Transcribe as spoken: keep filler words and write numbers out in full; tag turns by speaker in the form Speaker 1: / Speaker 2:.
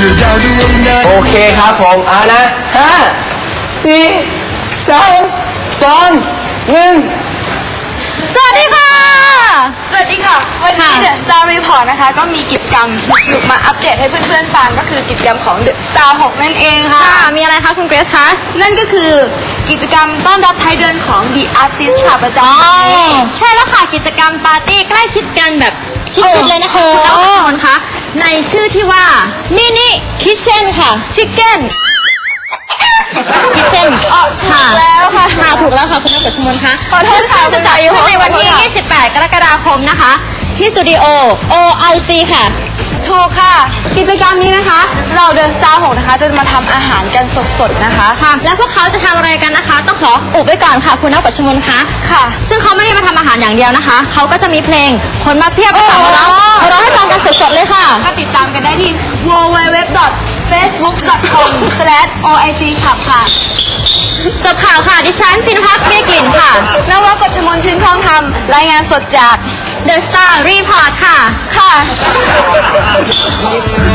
Speaker 1: อดาวดวงนั้น
Speaker 2: โอเคครับผมเอานะห้าสี่สามสองหนึ่ง
Speaker 3: สวัสดีค่ะ
Speaker 4: สวัสดีค่ะวันนี้ The Star Report นะคะก็มีกิจกรรมสนุกๆมาอัปเดตให้เพื่อนๆฟังก็คือกิจกรรมของ The Star หกนั่นเองค่ะ
Speaker 3: มีอะไรคะคุณเกรซคะ
Speaker 4: นั่นก็คือกิจกรรมต้อนรับท้ายเดือนของ The Artist ค่ะประจำปี
Speaker 3: ใช่แล้วค่ะกิจกรรมปาร์ตี้ใกล้ชิดกันแบบชิดๆเลยนะคะคุณน้องคนคะในชื่อที่ว่ามินิคิทเช่นค่ะชิคเก้นคิทเช่น
Speaker 4: ค่ะแล้วค่ะ
Speaker 3: ค่ะถูกแล้วค่ะคุณนักชมคะ
Speaker 4: ขอโทษค่ะ
Speaker 3: จะจัดขึ้นในวันที่ ยี่สิบแปด กรกฎาคมนะคะที่สตูดิโอ โอ ไอ ซี ค่ะ
Speaker 4: ถูกค่ะกิจกรรมนี้นะคะเรา The Star หกนะคะจะมาทำอาหารกันสดๆนะคะ
Speaker 3: ค่ะและพวกเขาจะทำอะไรกันนะคะต้องขออุบไว้ก่อนค่ะคุณนักปัชมนคะ
Speaker 4: ค่ะ
Speaker 3: ซึ่งเขาไม่ได้มาทำอาหารอย่างเดียวนะคะเขาก็จะมีเพลงคนมาเพียบมาสั่งเราเราให้ฟังกันสดๆเลยค่ะ
Speaker 4: ก็ติดตามกันได้ที่ ดับเบิลยู ดับเบิลยู ดับเบิลยู ดอท เฟซบุ๊ก ดอท คอม สแลช โอ ไอ ซี ขับค่ะ
Speaker 3: จบข่าวค่ะดิฉันซินพักเบี้ยกลิ่นค่ะ
Speaker 4: นวกฎชมนชื่นทองทำรายงานสดจาก
Speaker 3: The Star Report ค่ะ
Speaker 4: ค่ะ